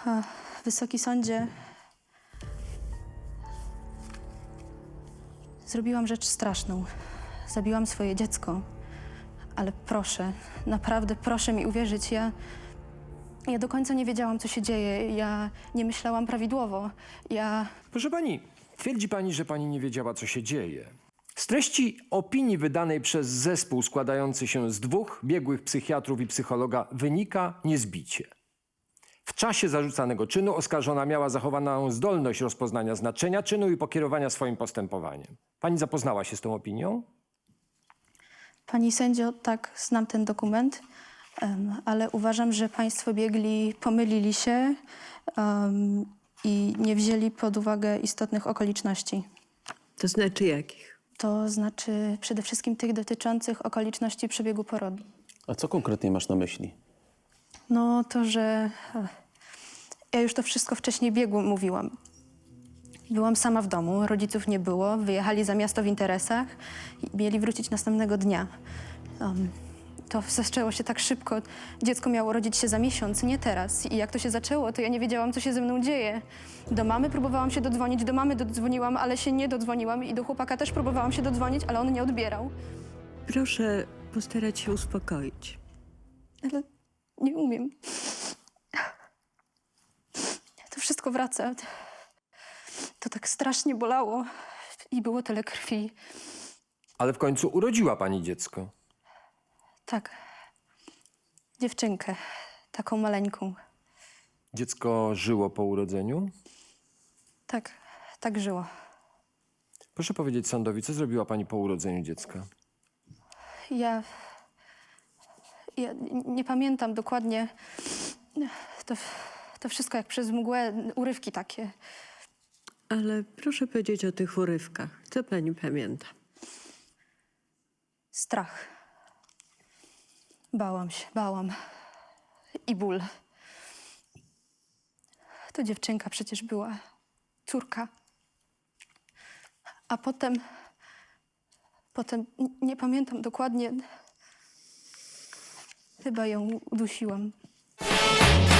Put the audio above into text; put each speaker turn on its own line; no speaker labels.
Wysoki sądzie, zrobiłam rzecz straszną. Zabiłam swoje dziecko. Ale proszę, naprawdę proszę mi uwierzyć, ja do końca nie wiedziałam, co się dzieje. Ja nie myślałam prawidłowo.
Proszę pani, twierdzi pani, że pani nie wiedziała, co się dzieje. Z treści opinii wydanej przez zespół składający się z 2 biegłych psychiatrów i psychologa wynika niezbicie. W czasie zarzucanego czynu oskarżona miała zachowaną zdolność rozpoznania znaczenia czynu i pokierowania swoim postępowaniem. Pani zapoznała się z tą opinią?
Pani sędzio, tak, znam ten dokument, ale uważam, że państwo biegli pomylili się i nie wzięli pod uwagę istotnych okoliczności.
To znaczy jakich?
To znaczy przede wszystkim tych dotyczących okoliczności przebiegu porodu.
A co konkretnie masz na myśli?
No to, że ja już to wszystko wcześniej biegło mówiłam. Byłam sama w domu, rodziców nie było, wyjechali za miasto w interesach i mieli wrócić następnego dnia. To zaczęło się tak szybko. Dziecko miało rodzić się za miesiąc, nie teraz. I jak to się zaczęło, to ja nie wiedziałam, co się ze mną dzieje. Do mamy próbowałam się dodzwonić, do mamy dodzwoniłam, ale się nie dodzwoniłam i do chłopaka też próbowałam się dodzwonić, ale on nie odbierał.
Proszę postarać się uspokoić.
Ale nie umiem. To wszystko wraca. To tak strasznie bolało i było tyle krwi.
Ale w końcu urodziła pani dziecko.
Tak. Dziewczynkę. Taką maleńką.
Dziecko żyło po urodzeniu?
Tak. Tak żyło.
Proszę powiedzieć sądowi, co zrobiła pani po urodzeniu dziecka?
Ja nie pamiętam dokładnie. To wszystko jak przez mgłę, urywki takie.
Ale proszę powiedzieć o tych urywkach. Co pani pamięta?
Strach. Bałam się, bałam. I ból. To dziewczynka przecież była. Córka. A potem nie pamiętam dokładnie. Chyba ją udusiłam.